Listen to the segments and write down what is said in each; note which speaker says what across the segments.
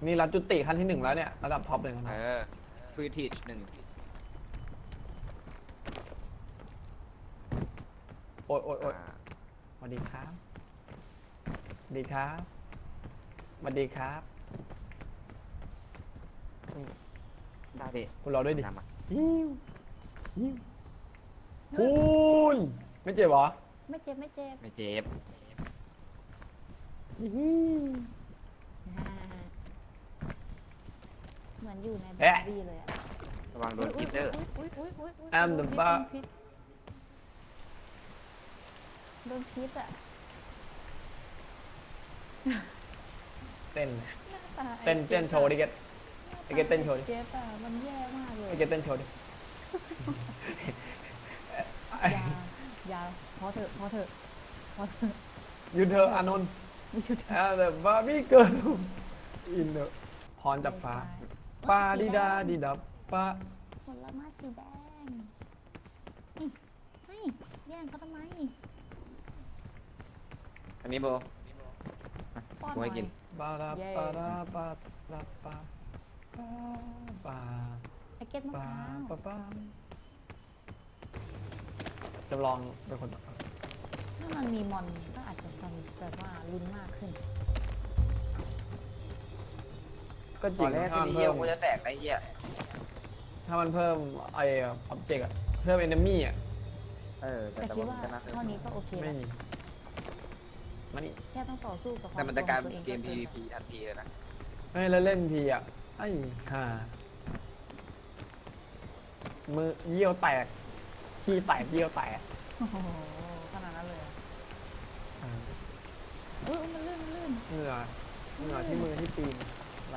Speaker 1: นี่รับจุติขั้นที่ 1แล้วเนี่ยระดับท็อปเลยนะ
Speaker 2: ฟรีทีช1
Speaker 1: โอ๊ยโอ๊ยโอ๊ยสวัสดีครับสวัสดีครับสวัสดีครับ
Speaker 2: ได้ดิ
Speaker 1: คุณรอด้วยดิ
Speaker 2: ตามมา
Speaker 1: ฮิวฮิวคุณไม่เจ็บเหรอ
Speaker 3: ไม่เจ็บไม่เจ็บ
Speaker 2: ไม่เจ็บ
Speaker 1: ฮิว
Speaker 3: เหมือนอยู่ในบา
Speaker 1: เอ๊ะ
Speaker 3: ร์บี้เลยอะ
Speaker 2: ระวังโดนพิษเด้อ
Speaker 3: อุ๊ย
Speaker 1: I'm the bar
Speaker 3: โดนพิษอะ
Speaker 1: เต้น
Speaker 3: หน้าตา
Speaker 1: เต้นโชว์ดิเกตไอเกตเต้นโชว์ดิ
Speaker 3: เกตอะมันแย่มากเลย
Speaker 1: ไอเกตเต้นโชว์ดิ
Speaker 3: อย่าพอเถอะพอเถอะพอเถอะ
Speaker 1: หยุดเธอะอานนท์
Speaker 3: ไม่ชุด
Speaker 1: แต่บาร์บี้เกิร์ลอินเนอร์พรจากฟ้าปาดิดาดิดับปา
Speaker 3: ผลไม้สีแดงให้แย่งเขาทำไม
Speaker 2: อันนี้โบ
Speaker 3: ป้อนห
Speaker 2: กู
Speaker 3: น่อ
Speaker 2: ให้
Speaker 3: ย
Speaker 2: กิน
Speaker 1: ปาราปาราปาราปาปา
Speaker 3: ไอเก็ตมะ
Speaker 1: ปา
Speaker 3: พร้าว
Speaker 1: ปาจำลองเป็นคน
Speaker 3: ถ้ามันมีมอนก็อาจจะทำแบบว่าลุ้นมากขึ้น
Speaker 1: ก็จ
Speaker 2: ต
Speaker 1: ริ
Speaker 2: อง นแรก
Speaker 1: ถ้า
Speaker 2: ที่
Speaker 1: มัน
Speaker 2: เหี้ย
Speaker 1: เพิ่ม
Speaker 2: กูจะแตกไอ้เหี้ย
Speaker 1: ถ้ามันเพิ่มไอ้ออบเจกต์อะเพิ่มเอนมี่อะ
Speaker 3: แต่คิดว่าเท่านี้ก็โอเค
Speaker 1: ไม่
Speaker 3: แล้ว
Speaker 1: มีมันนี่
Speaker 3: แค่ต้องต่อสู้กับควา
Speaker 2: แต่
Speaker 3: ม
Speaker 2: มัน
Speaker 3: โก
Speaker 2: จะ
Speaker 3: ง
Speaker 2: กลาย
Speaker 3: ตั
Speaker 2: เป็
Speaker 3: วน เอง
Speaker 2: เกม
Speaker 3: ก็
Speaker 2: PVP ทันทีเลยนะ
Speaker 1: ไม่แล้วเล่นทีอะไอ้ห่ามือเยี่ยวแตกขี้แตกเยี่ยวแตก
Speaker 3: โอ้โหขนาดนั้นเลยเหรอ
Speaker 1: อ่า
Speaker 3: มันลื่นมันลื่น
Speaker 1: เหงื่อที่มือที่ตีนไหล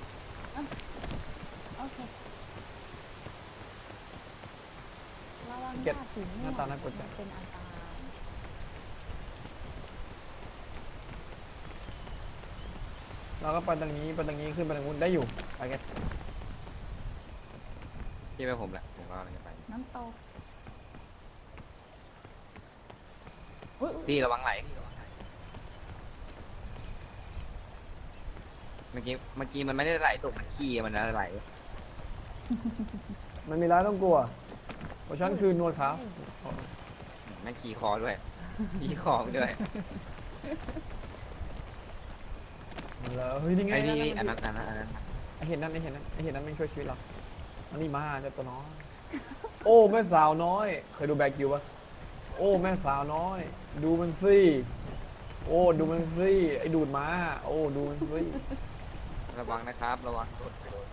Speaker 3: โอเคระวัง
Speaker 1: เก็บ
Speaker 3: หน้าสีม่วง
Speaker 1: หน้าตาน่ากลัวจัง
Speaker 3: เป็นอันตราย
Speaker 1: เราก็ไปตรงนี้ขึ้นไปตรงนู้นได้อยู่ไปกัน
Speaker 2: ที่ไปผมแหละผมก็กำลังจะไป
Speaker 3: น้ำตกอุ๊ย
Speaker 2: พี่ระวังไหลเมื่อกี้มันไม่ได้ไหลตกมันขี้มันไหล
Speaker 1: มันมีร้ายต้องกลัวเพราะฉันคือนวดขาว
Speaker 2: ไม่ขี้คอด้วยขี้คอด้วย
Speaker 1: แล้วเฮ้ยนี่ไง
Speaker 2: ไอ้นี่อันนั้น
Speaker 1: ไอเห็นนั่นไม่ช่วยชีวิตเราอันนี้มาเจ้าตัวน้อยโอ้แม่สาวน้อยเคยดูแบกิวปะโอ้แม่สาวน้อย ดูมันสิโอ้ดูมันสิไอดูดม้าโอ้ดูมันสิ
Speaker 2: ระวังนะครับระวังโดนไปโดน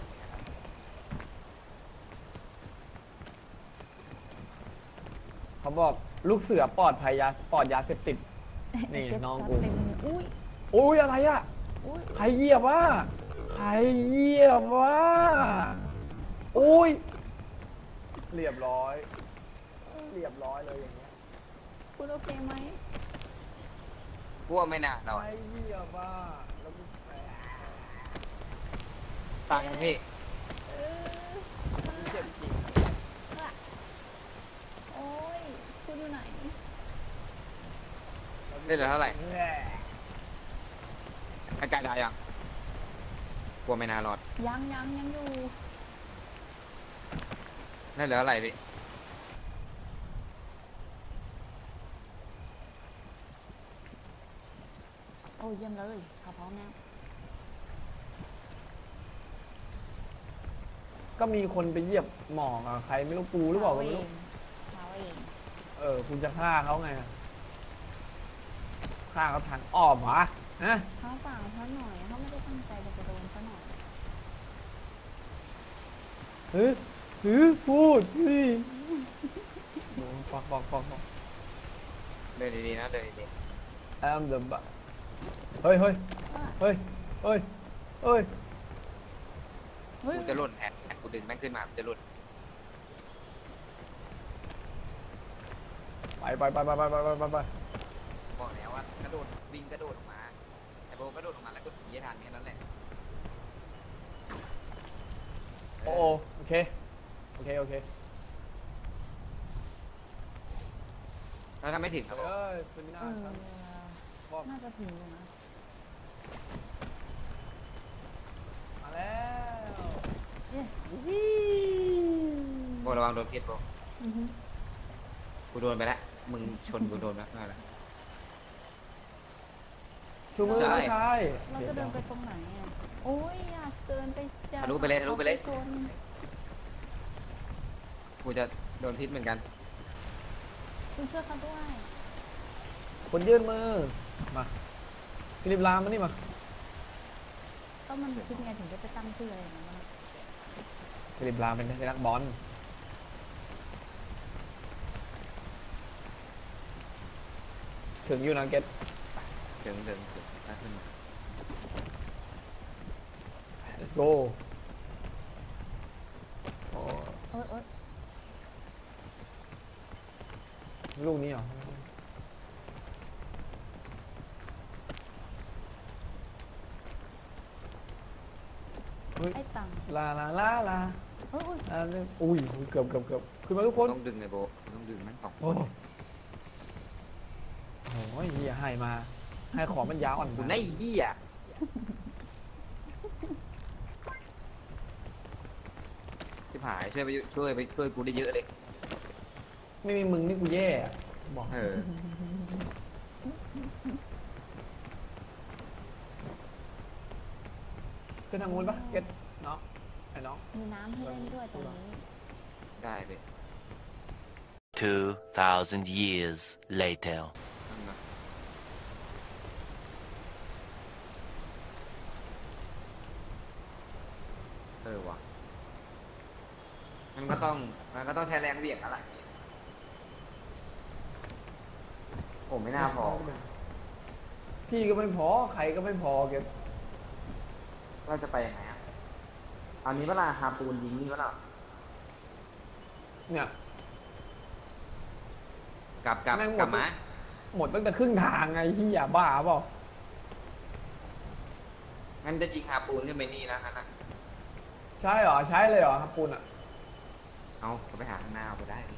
Speaker 1: เขาบอกลูกเสือปลอดภัยปลอดยาเสพติด นี่
Speaker 3: เก็บ
Speaker 1: น้อง
Speaker 3: ซัด
Speaker 1: กู
Speaker 3: เต็มมืออุ้ย
Speaker 1: โอ้ยอะไรอะ
Speaker 3: อุ้ย
Speaker 1: ใครเหยียบวะใครเหยียบวะโอ้ยเรียบร้อยเลยอย่างเงี้ย
Speaker 3: คุณโอเคไหม
Speaker 2: กลัวไม่น่าเรา
Speaker 1: ใครเหยียบวะแล้วกูแตก
Speaker 2: ตังพี่
Speaker 3: เออ
Speaker 1: เจ็บจริง
Speaker 3: โอ้ยคุณอยู่ไหน
Speaker 2: ได้เหลือเท่าไหร่
Speaker 1: แหม่
Speaker 2: อากาศได้ยังกลัวไม่น่ารอด
Speaker 3: ยังอยู่
Speaker 2: ได้เหลือเท่าไหร่พี่
Speaker 3: โอ้ยเยี่ยมเลยเขาพร้อมแล้ว
Speaker 1: ก็มีคนไปเหยียบหมอกอะใครไม่รู้กูหรือเปล่าก็ไม่รู้
Speaker 3: เขาเอง
Speaker 1: คุณจะฆ่าเขาไงฆ่าเขาทางอ้อมเหรอฮะ
Speaker 3: เขาเปล่าเขาหน่อยเขาไม่ได้ตั้งใจจะโดนซะหน่อย
Speaker 1: พูดสิฟอก
Speaker 2: เดินดีๆนะเดินดี
Speaker 1: I'm the b เฮ้ย
Speaker 2: ๆกูจะหล่นแอนกูดึงแม่งขึ้นมากูจะหล่น
Speaker 1: ไป
Speaker 2: บอกแล้วว่ากระโดดวิ่งกระโดดออกมาไอ้โบกระโดดออกมาแล้วก็ผีให้ทันแค่นั้นแหละ
Speaker 1: โอ้โอเค
Speaker 2: แล้วถ้าไม่ถึงครับผม
Speaker 1: เป็นหน้า
Speaker 3: เออ
Speaker 1: ครับบอก
Speaker 3: น่าจะถึงอยู่นะ
Speaker 2: วังโดนพิษโบ
Speaker 3: อือฮึ
Speaker 2: กูโดนไปแล้วมึงชนกูโดนแล้วอะไร
Speaker 1: ชูมือ
Speaker 2: ใช่
Speaker 1: ไม่ใช่
Speaker 3: เราจะเดินไปตรงไหนอ่ะโอ้ยอยากเดินไปอยาก
Speaker 2: ทะลุไปเลยทะลุไปเลย
Speaker 3: อาคน
Speaker 2: กูจะโดนพิษเหมือนกัน
Speaker 3: คุณช่วยเขาด้วย
Speaker 1: คนยื่นมือมาฟิลิปลามมานี่มา
Speaker 3: ก็มันคิดไงถึงได้ไปตั้งชื่ออะไรอย่างนั้นอะ
Speaker 1: ฟิลิปลามเป็นนักบอลถึงยูไนเต็ด
Speaker 2: ถึงน่าขึ้นมา
Speaker 1: let's go โอ้
Speaker 3: เอ้ยเอ้ย
Speaker 1: ลูกนี้เหรอเฮ้ย
Speaker 3: ไอ้ตัง
Speaker 1: ลาลาลาลา
Speaker 3: เอ้ย
Speaker 1: ลาอุ้ยเกือบขึ้นมาทุกคน
Speaker 2: ต้องดึงไงโบต้องดึงมันสองค
Speaker 1: โอ้
Speaker 2: น
Speaker 1: โหเฮียให้มา ให้ของมันยาวอ่อน
Speaker 2: กู
Speaker 1: มา
Speaker 2: ไอ้เหี้ยที่ผายช่วยกูได้เยอะเลย
Speaker 1: ไม่มีมึงนี่กูแย่อะบอก
Speaker 2: เออ
Speaker 1: ขึ้นทางงูนปะเก็ตน้องไอ้น้อง
Speaker 3: มีน้ำให้เล่นด้วยตรงนี้
Speaker 2: ได้เลย
Speaker 4: 2,000 years later.
Speaker 2: นั่นนะว่ะมันก็ต้องใช้แรงเหวี่ยงแล้วล่ะผมไม่น่าพอ
Speaker 1: พี่ก็ไม่พอใครก็ไม่พอเก็ต
Speaker 2: เราจะไปยังไงอ่ะเอานี้เวลาฮาปูนยิงนี่เวลา
Speaker 1: เนี่ย
Speaker 2: กลับ
Speaker 1: แม่งหมด
Speaker 2: กลับมา
Speaker 1: หมดตั้งแต่ครึ่งทางไงที่อย่าบ้าเปล่า
Speaker 2: งั้นจะยิงฮาปูนขึ้นไปนี่แล้วนะ
Speaker 1: ใช่เหรอใช้เลยเหรอครับปูนอ่ะ
Speaker 2: เอาก็ไปหาข้างหน้าเอาไปได้ดิ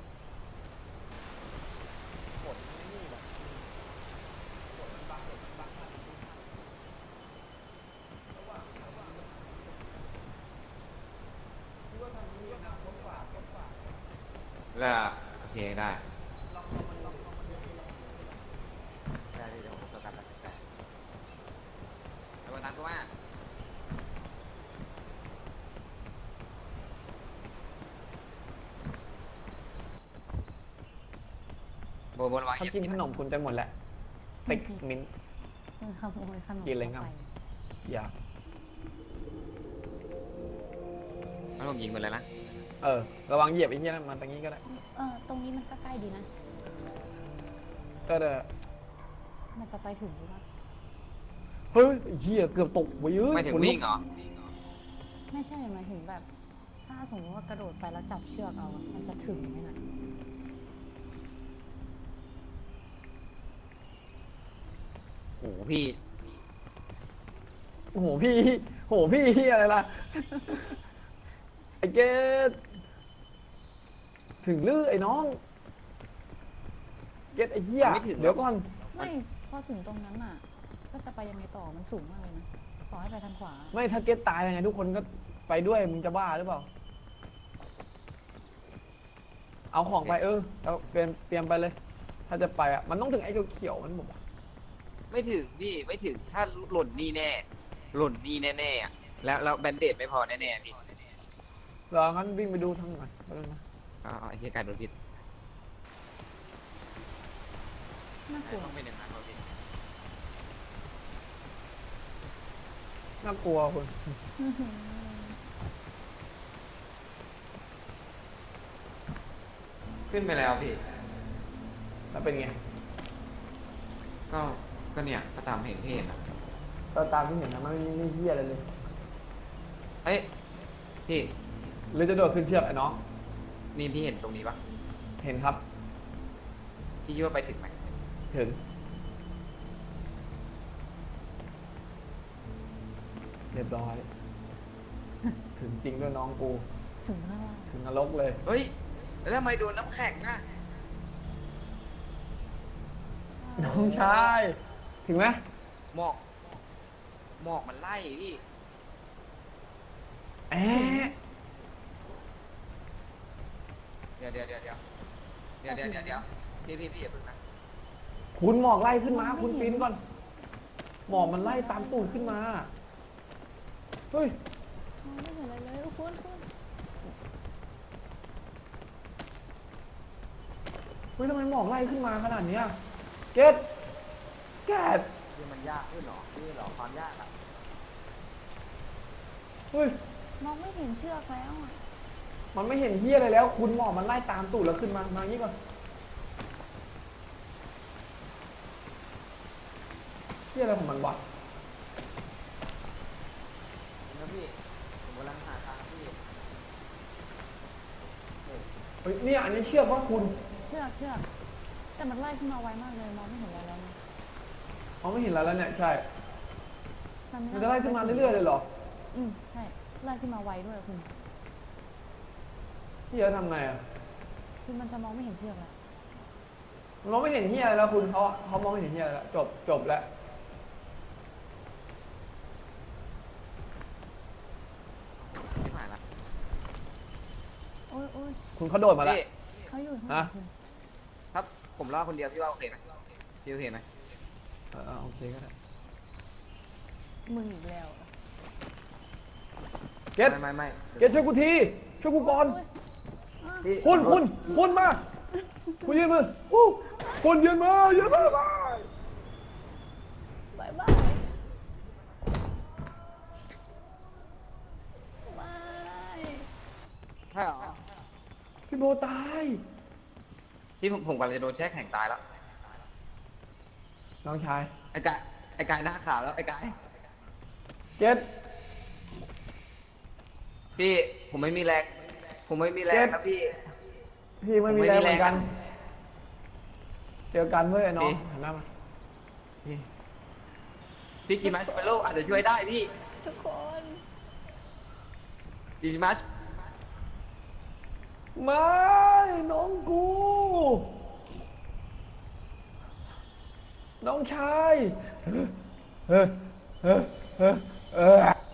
Speaker 2: แล้วโอเคได้เดี๋ยวผมจะกลับไปแล้วมาตามกูมาโบบนวาง
Speaker 1: เขา
Speaker 2: เหยียบ
Speaker 1: กินขนมคุณจะหมดแหละติ๊กมิ้น
Speaker 3: ขโมยขนม
Speaker 1: กินเลยครับ
Speaker 3: ข้าไป
Speaker 1: อย่า
Speaker 2: แล้วผมยิงไปเลยนะ
Speaker 1: ระวังเหยียบไอ้เหี้ยนั่นมันตรงนี้ก็ได้
Speaker 3: ตรงนี้มันก็ใกล้ดีนะ
Speaker 1: ก็เด้อ
Speaker 3: มันจะไปถึงหรือเปล่า
Speaker 1: เฮ้ยไอ้เหี้ยเกือบตกไปเยอะ
Speaker 2: ไม่ถึงวิ่งเหรอ
Speaker 3: ไม่ใช่หมายถึงแบบ ถ้าสมมติว่ากระโดดไปแล้วจับเชือกเอาอะมันจะถึงไหมนะ
Speaker 2: โอ้โหพี่
Speaker 1: โอ้โหพี่โอ้โหพี่เหี้ยอะไรล่ะไอ้เกตถึงลือไอ้น้องเกตไอ้เหี้ย
Speaker 2: ไม่ถึงหรอก
Speaker 1: เดี๋ยวก่อน
Speaker 3: ไม่พอถึงตรงนั้นอ่ะ ก็จะไปยังไงต่อมันสูงมากเลยนะต่อให้ไปทางขวา
Speaker 1: ไม่ถ้าเกตตายยังไงทุกคนก็ไปด้วยมึงจะบ้าหรือเปล่า เอาของไปเอาเตรียมไปเลย ถ้าจะไปอ่ะมันต้องถึงไอ้เขียวๆมันบอกว่า
Speaker 2: ไม่ถึงพี่ไม่ถึงถ้าหล่นนี่แน่หล่นนี่แน่ๆอะแล้วแบนเดดไม่พอแน่ๆพี่
Speaker 1: รองั้นวิ่งไปดูทางหน่อยไปดูนะ
Speaker 2: ไอ้เหี้ยการโดนพิษ
Speaker 3: น่ากลัว
Speaker 2: ต้องเป็นอย่างนั้นเราพี่
Speaker 1: น่ากลัวคุณ
Speaker 2: ขึ้นไปแล้วพี่
Speaker 1: แล้วเป็นไง
Speaker 2: ก็เนี่ยก็ตามเห็นที่เห็นอะ
Speaker 1: ตามที่เห็นนะมันไม่เหี้ยอะไรเลย
Speaker 2: เอ้ยพี่
Speaker 1: หรือจะโดดขึ้นเชือกไอ้น้อง
Speaker 2: นี่พี่เห็นตรงนี้ปะ
Speaker 1: เห็นครับ
Speaker 2: พี่คิดว่าไปถึงไหม
Speaker 1: ถึง เรียบร้อย ถึงจริงด้วยน้องกู
Speaker 3: ถึงข้างล่าง
Speaker 1: ถึงนรกเลย
Speaker 2: เฮ้ยแล้วทำไมโดนน้ำแข็งอะ
Speaker 1: น้องชาย ถึงไหม
Speaker 2: หมอกมันไล่พี่
Speaker 1: แอะ
Speaker 2: เดี๋ยวพี่อย่าเพิ่งนะ
Speaker 1: คุณหมอกไล่ขึ้นมา คุณปีนก่อน หมอกมันไล่ตามตูดขึ้นมา เฮ้ย
Speaker 3: มองไม่เห็นอะไรเลยคุณ
Speaker 1: เฮ้ยทำไมหมอกไล่ขึ้นมาขนาดเนี้ยเกตเกต
Speaker 2: คือมันยากขึ้นหรอความยากอะ
Speaker 1: เฮ้ย
Speaker 3: มองไม่เห็นเชือกแล้วอ่ะ
Speaker 1: มันไม่เห็นเฮียอะไรแล้ว คุณหมอกมันไล่ตามตูดแล้วขึ้นมา มาอย่างนี้ก่อนเฮียอะไรของมันวะ
Speaker 2: นะพี่ผมกำลังหาทางพี่
Speaker 1: เฮ้ยเนี่ยอันนี้เชือกว่าคุณ
Speaker 3: เชือกแต่มันไล่ขึ้นมาไวมากเลยมองไม่เห็นอะไรแล้วนะ
Speaker 1: เขาไม่เห็นแล้วแล้วเนี่ยใช่
Speaker 3: ทำ
Speaker 1: มันจะไล่ขึ้นมาเรื่อยๆเลยเหรอ
Speaker 3: ใช่ไล่ขึ้นมาไวด้วยคุณ
Speaker 1: เฮียทำไงอ่ะ
Speaker 3: คือมันจะมองไม่เห็นเชือกแล้ว
Speaker 1: มันมองไม่เห็นเฮียอะไรแล้วคุณเขามองไม่เห็นเฮียอะไรแล้วจบแล้ว
Speaker 2: ไม่ผ่านละ
Speaker 3: โอ้ย
Speaker 1: คุณเขาโดดมาแล้ว
Speaker 2: พี่
Speaker 3: เขาอยู่ข้างหลังคุณ
Speaker 2: ครับผมรอดคนเดียวพี่ว่าโอเคไหมพี่โอเคไหม
Speaker 1: โอเคก็ได้
Speaker 3: มึงอีกแล้วอะ
Speaker 1: เกต
Speaker 2: ไม่
Speaker 1: เกตช่วยกูทีช่วยกูก่อน
Speaker 3: โอ๊ย
Speaker 2: พี่
Speaker 1: คุณมา คุณยืนมือคุณยืนมือบาย
Speaker 3: บายบายบาย
Speaker 2: ใช่เหรอ
Speaker 1: พี่โบตาย
Speaker 2: พี่ผมกำลังจะโดนแช่แข็งตายแล้ว
Speaker 1: น้องชาย
Speaker 2: ไอ้กายหน้าขาวแล้วไอ้กาย
Speaker 1: เกต
Speaker 2: พี่ผมไม่มีแรงนะพี่
Speaker 1: พี่ไม่มี
Speaker 2: ผมไม่
Speaker 1: แร
Speaker 2: มี
Speaker 1: งเหมือนกัน
Speaker 2: แรง
Speaker 1: เจอกันเว้ยน้อง
Speaker 2: พี่
Speaker 1: หันหน้ามา
Speaker 2: พี่กินมัชเมลโล่อาจจะช่วยได้พี่
Speaker 3: ทุกคน
Speaker 2: กินมัช
Speaker 1: ไม่น้องกู น้องชายเออ